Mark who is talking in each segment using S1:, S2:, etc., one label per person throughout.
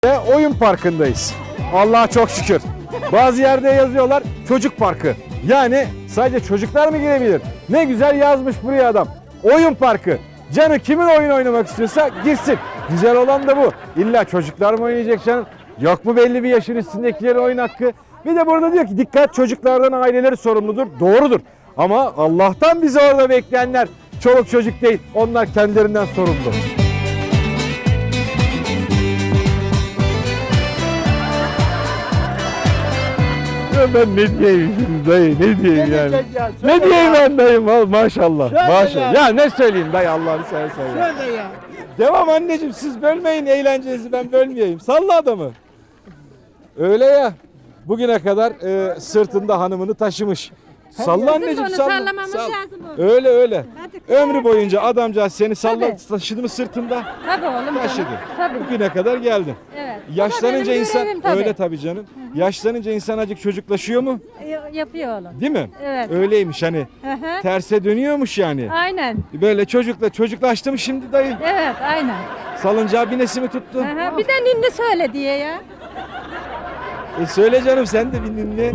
S1: Ve oyun parkındayız. Allah'a çok şükür. Bazı yerde yazıyorlar çocuk parkı. Yani sadece çocuklar mı girebilir? Ne güzel yazmış buraya adam. Oyun parkı. Canı kimin oyun oynamak istiyorsa girsin. Güzel olan da bu. İlla çocuklar mı oynayacak canım? Yok mu belli bir yaşın üstündekilerin oyun hakkı? Bir de burada diyor ki dikkat, çocuklardan aileleri sorumludur. Doğrudur. Ama Allah'tan bizi orada bekleyenler çoluk çocuk değil. Onlar kendilerinden sorumlu. Ben ne diyeyim dayı, ne diyeyim yani? Ne diyeyim ben dayım, maşallah. Maşallah. Ya ne söyleyeyim dayı, Allah'ını seversen ya.
S2: Söyle ya.
S1: Devam anneciğim, siz bölmeyin eğlencenizi, ben bölmeyeyim. Salla adamı. Öyle ya. Bugüne kadar sırtında hanımını taşımış. Salla anneciğim, salla.
S3: Sallamamız lazım onu.
S1: Öyle öyle.
S3: Hadi.
S1: Ömrü boyunca adamcağız seni
S3: Tabii.
S1: taşıdı mı sırtında?
S3: Tabii oğlum
S1: Taşıdı.
S3: canım. Tabii.
S1: Bugüne kadar geldin.
S3: Evet.
S1: Yaşlanınca
S3: Bu da benim
S1: insan
S3: görevim tabii.
S1: öyle tabii canım. Yaşlanınca insan acık çocuklaşıyor mu?
S3: Yapıyor oğlum.
S1: Değil mi?
S3: Evet.
S1: Öyleymiş hani.
S3: Hı hı.
S1: Terse dönüyormuş yani.
S3: Aynen.
S1: Böyle çocuklaştım şimdi dayı.
S3: Evet aynen.
S1: Salıncağı binesi mi tuttu?
S3: Hı hı. Bir de ninni söyle diye ya.
S1: Söyle canım, sen de bir dinle.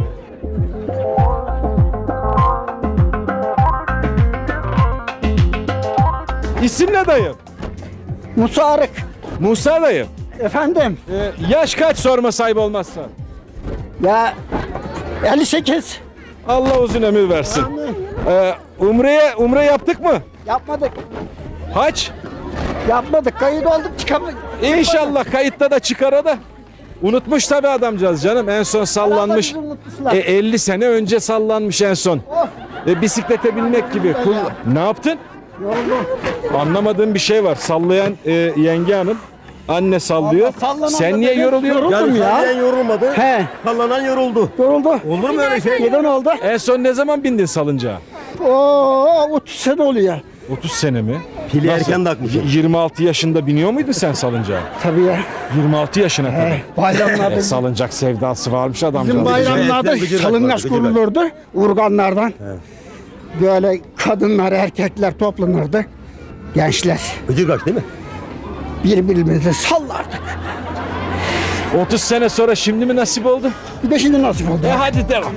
S1: İsim ne dayı?
S2: Musa Arık.
S1: Musa dayı.
S2: Efendim.
S1: Yaş kaç sorma sahibi olmazsa?
S2: Ya 58.
S1: Allah uzun ömür versin. Umre yaptık mı?
S2: Yapmadık.
S1: Haç?
S2: Yapmadık. Kayıt olduk çıkamadık.
S1: İnşallah kayıtta da çıkara da. Unutmuş tabii adamcağız canım, en son sallanmış.
S2: Herhalde bizi unutmuşlar.
S1: 50 sene önce sallanmış en son. Bisiklete binmek gibi. Ne yaptın?
S2: Yoruldum.
S1: Anlamadığım bir şey var. Sallayan yenge hanım. Anne sallıyor.
S2: Allah, sallanan
S1: Sen
S2: da
S1: niye
S2: benim
S1: yoruluyorsun?
S2: yoruldum ya.
S4: Sallanan yorulmadı.
S2: He.
S4: Sallanan yoruldu.
S2: Yoruldu.
S4: Olur mu öyle şey?
S2: Neden oldu?
S1: En son ne zaman bindin salıncağa?
S2: Oo 30 sene oluyor.
S1: 30 sene mi?
S4: Pili
S1: Nasıl?
S4: erken takmışım.
S1: 26 yaşında biniyor muydun sen salıncağa?
S2: Tabii ya.
S1: 26 yaşına kadar.
S2: Bayramlarda
S1: Salıncak sevdası varmış adamcağız.
S2: bizim bayramlarda
S4: Evet, gıcırdak
S2: salıngaç
S4: var, gıcırdak.
S2: kurulurdu. Urganlardan. Böyle kadınlar, erkekler toplanırdı. Gençler.
S4: Gıcır kaç değil mi?
S2: Birbirimizi sallardık.
S1: 30 sene sonra şimdi mi nasip oldu?
S2: Bir de şimdi nasip oldu.
S1: Hadi devam.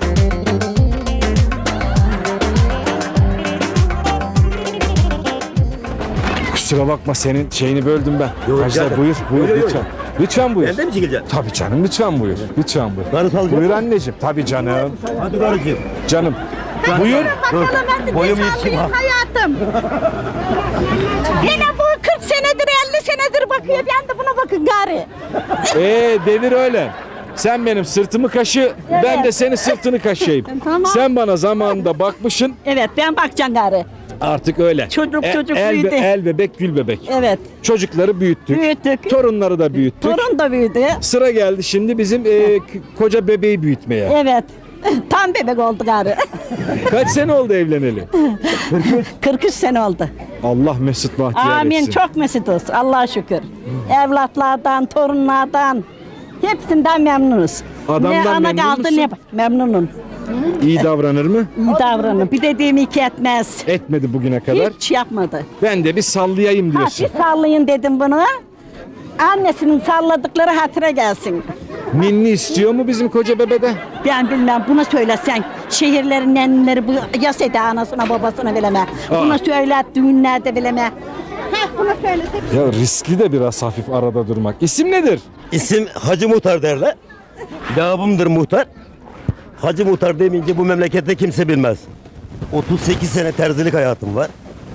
S1: Kusura bakma, senin şeyini böldüm ben.
S4: Yok,
S1: Ajda,
S4: gel.
S1: buyur
S4: Yok, yok,
S1: lütfen. Lütfen buyur.
S4: Elde mi çekileceksin?
S1: Tabii canım, lütfen buyur. Lütfen buyur.
S4: Karı salacak
S1: Buyur
S4: mı?
S1: anneciğim. Tabii canım.
S4: Hadi karıcığım.
S1: Canım. Buyur.
S4: Dur. Boyum yetişim ha.
S3: Hayatım. Yine bu 40 senedir 50 senedir bakıyor. Ben de buna bakın gari.
S1: Devir öyle. Sen benim sırtımı kaşı, ben de senin sırtını kaşıyayım.
S3: Tamam.
S1: Sen bana zamanında bakmışsın,
S3: Evet ben bakacağım gari.
S1: artık öyle.
S3: Çocuk
S1: el,
S3: büyüdü.
S1: el bebek gül bebek.
S3: Evet.
S1: Çocukları büyüttük.
S3: Büyüttük.
S1: Torunları da büyüttük.
S3: Torun da büyüdü.
S1: Sıra geldi şimdi bizim koca bebeği büyütmeye.
S3: Evet. Tam bebek oldu gari.
S1: Kaç sene oldu evleneli?
S3: 43 sene oldu.
S1: Allah mesut bahtiyar
S3: Amin.
S1: etsin.
S3: Çok mesutuz. Allah'a şükür. Evlatlardan, torunlardan hepsinden memnunuz.
S1: Adamdan
S3: ne ana
S1: memnun
S3: kaldı
S1: musun?
S3: ne memnunum.
S1: İyi davranır mı?
S3: İyi davranın. Bir dediğimi iki etmez.
S1: Etmedi bugüne kadar.
S3: Hiç yapmadı.
S1: Ben de bir sallayayım diyorsun.
S3: Hafif sallayın dedim bunu. Annesinin salladıkları hatıra gelsin.
S1: Ninni istiyor mu bizim koca bebede?
S3: Ben bilmem bunu söylesen şehirlerin nennileri bu yas ede anasına babasına bileme. Bunu söyler düğünlerde bileme. Heh bunu söylesek.
S1: Ya riskli de biraz hafif arada durmak. İsim nedir?
S4: İsim Hacı Muhtar derler. Lakabımdır Muhtar. Hacı Muhtar demeyince bu memlekette kimse bilmez. 38 sene terzilik hayatım var.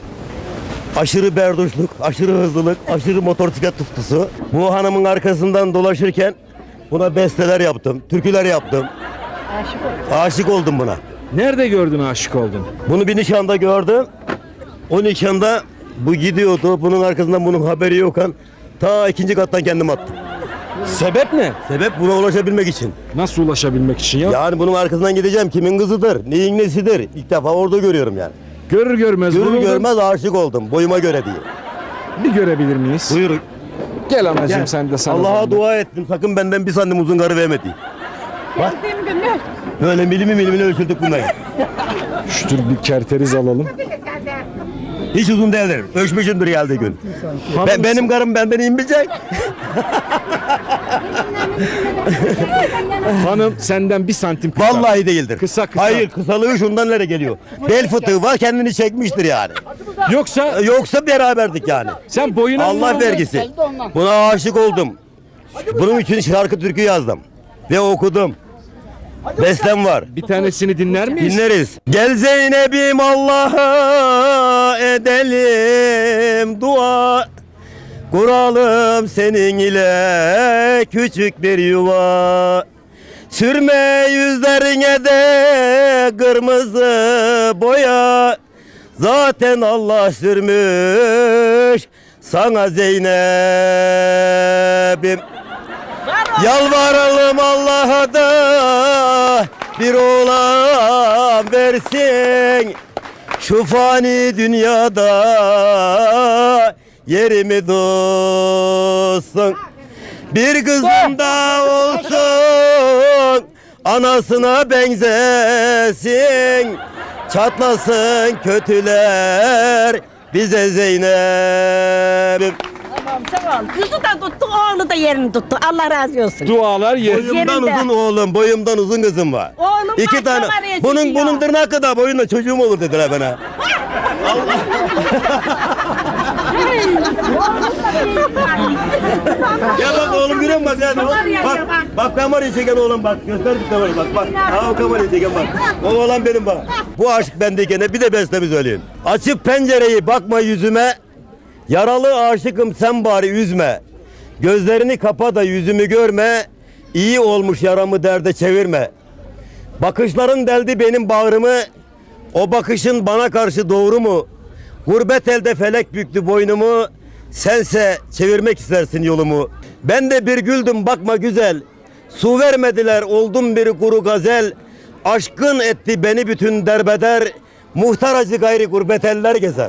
S4: Aşırı berduşluk, aşırı hızlılık, aşırı motosiklet tutkusu. Bu hanımın arkasından dolaşırken buna besteler yaptım, türküler yaptım. Aşık oldum buna.
S1: Nerede gördün, aşık oldun?
S4: Bunu bir nişanda gördüm. O nişanda bu gidiyordu. Bunun arkasından bunun haberi yokken ta 2. kattan kendim attım.
S1: Sebep ne?
S4: Sebep buna ulaşabilmek için.
S1: Nasıl ulaşabilmek için ya?
S4: Yani bunun arkasından gideceğim. Kimin kızıdır, neyin nesidir? İlk defa orada görüyorum yani.
S1: Görür görmez
S4: Görür
S1: vuruldun.
S4: görmez aşık oldum. Boyuma göre diye.
S1: Bir görebilir miyiz?
S4: Buyurun.
S1: Gel anacığım,
S4: Gel.
S1: sen de sana.
S4: Allah'a
S1: zahmet.
S4: dua ettim. Sakın benden bir santim uzun karı verme diye.
S3: Geldiğim gün ne?
S4: Böyle milimini ölçüldük bunları.
S1: Şu tür bir kerteriz alalım.
S4: Hiç uzun değildir. Ölçmüşümdür geldiği gün.
S1: Hanım-
S4: Benim karım benden iyi bilecek.
S1: Hanım senden 1 santim kısa.
S4: Vallahi değildir.
S1: Kısa.
S4: Hayır, kısalığı şundan nereye geliyor? Bel fıtığı var, kendini çekmiştir yani.
S1: Yoksa
S4: Beraberdik yani.
S1: sen boyuna
S4: Allah vergisi. Buna aşık oldum. Bunun için şarkı türkü yazdım. Ve okudum. Bestem var.
S1: bir tanesini dinler miyiz?
S4: Dinleriz. Gel Zeynep'im Allah'a edelim dua. Kuralım senin ile küçük bir yuva. Sürme yüzlerine de kırmızı boya. Zaten Allah sürmüş sana Zeynep'im. Yalvaralım Allah'a da bir oğlan versin. Şu fani dünyada yerimi dolsun. Bir kızım da olsun, anasına benzesin. Çatlasın kötüler bize Zeynep'im.
S3: Tamam sağ ol. Kızı da tuttu, oğlu da yerini tuttu. Allah razı olsun.
S1: Dualar yer.
S4: Boyumdan
S3: Yerinde.
S4: uzun oğlum, boyumdan uzun kızım var.
S3: Oğlum
S4: 2
S3: var,
S4: tane.
S3: var ya
S4: Bunun
S3: çocuğu.
S4: tırnağı kadar boyunda çocuğum olur dediler bana. Ya bak oğlum görüyor musun? Bak kamerayı çeken oğlum bak. Göster bir kamerayı bak. Ha o kamerayı çeken bak. O oğlan benim bak. Bu aşk bendeyken bir de bestemi söyleyeyim. Açıp pencereyi bakma yüzüme. Yaralı aşıkım sen bari üzme. Gözlerini kapa da yüzümü görme. İyi olmuş yaramı derde çevirme. Bakışların deldi benim bağrımı. O bakışın bana karşı doğru mu? Gurbet elde felek büktü boynumu. Sense çevirmek istersin yolumu. Ben de bir güldüm bakma güzel. Su vermediler oldum bir kuru gazel. Aşkın etti beni bütün derbeder. Muhtar acı gayri gurbet eller gezer.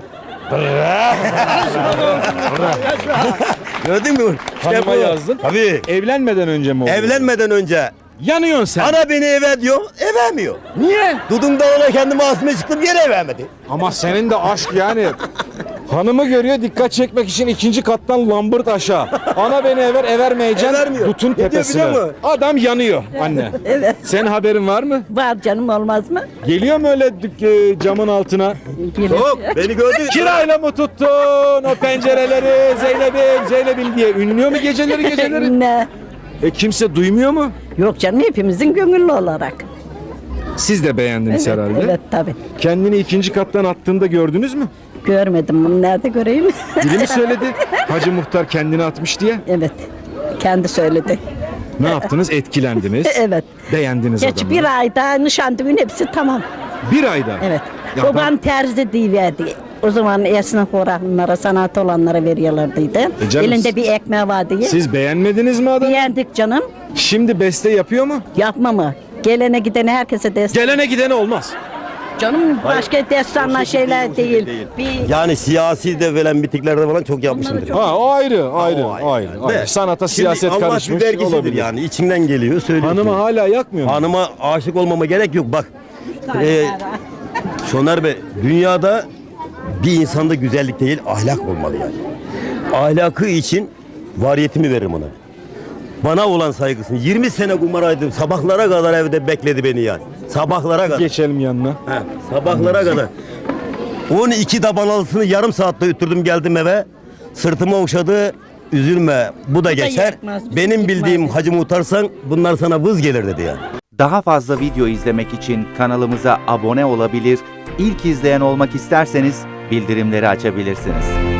S4: Gördün mü?
S1: Hanıma yazdın.
S4: Tabii.
S1: Evlenmeden önce mi oldu?
S4: Evlenmeden önce.
S1: Yanıyorsun sen.
S4: Ana beni eve diyor, evemiyor.
S1: Niye?
S4: Dudumda ona kendimi asmaya çıktım yine evemedi.
S1: Ama senin de aşk yani. Hanımı görüyor, dikkat çekmek için 2. kattan lambırt aşağı. Ana beni evermeyeceksin.
S4: Evermiyor.
S1: Dutun
S4: Ne diyor
S1: tepesine.
S4: biliyor musun?
S1: Adam yanıyor anne.
S3: Evet.
S1: Senin haberin var mı?
S3: Var canım, olmaz mı?
S1: Geliyor mu öyle camın altına?
S4: Yok beni gördü.
S1: Kirayla mı tuttun o pencereleri Zeynep'im diye ünlüyor mu geceleri?
S3: Ne?
S1: Kimse duymuyor mu?
S3: Yok canım, hepimizin gönüllü olarak.
S1: Siz de beğendiniz
S3: Evet,
S1: herhalde.
S3: evet tabii.
S1: Kendini 2. kattan attığında gördünüz mü?
S3: Görmedim bunu, nerede göreyim?
S1: Biri mi söyledi? Hacı Muhtar kendini atmış diye.
S3: Evet. Kendi söyledi.
S1: Ne yaptınız? Etkilendiniz.
S3: Evet.
S1: Beğendiniz
S3: Geç
S1: adamı.
S3: bir ayda nişan düğün hepsi tamam.
S1: 1 ayda.
S3: Evet.
S1: Ya
S3: Baban terzi diyiverdi. O zaman esnaf olanlara, sanat olanlara veriyorlardıydı.
S1: canım,
S3: Elinde bir ekmeği vardı.
S1: Siz beğenmediniz mi adamı?
S3: Beğendik canım.
S1: Şimdi beste yapıyor mu?
S3: Yapma mı? Gelene gidene herkese destek.
S1: Gelene gidene olmaz.
S3: Canım başka destanlar şeyler değil. Bir
S4: Yani siyasi de veren bitiklerde falan çok yapmışımdır.
S1: Ha o ayrı, ayrı,
S4: O
S1: ayrı.
S4: yani.
S1: ayrı.
S4: De,
S1: Sanata
S4: şimdi
S1: siyaset
S4: Allah
S1: karışmış
S4: bir vergisidir
S1: olabilir.
S4: yani içinden geliyor söylüyorsun.
S1: Hanıma hala yakmıyor mu?
S4: Hanıma aşık olmama gerek yok bak. Şoner Bey dünyada bir insanda güzellik değil ahlak olmalı yani. Ahlakı için variyetimi veririm ona. Bana olan saygısını 20 sene kumaraydım sabahlara kadar evde bekledi beni yani. Sabahlara kadar.
S1: Geçelim yanına.
S4: He, sabahlara kadar. 12 tabanalısını yarım saatte ütürdüm geldim eve. Sırtıma okşadı. Üzülme bu da geçer.
S3: yetmez,
S4: Benim
S3: yetmez.
S4: bildiğim Hacı Muhtarsan bunlar sana vız gelir dedi yani.
S5: Daha fazla video izlemek için kanalımıza abone olabilir, ilk izleyen olmak isterseniz bildirimleri açabilirsiniz.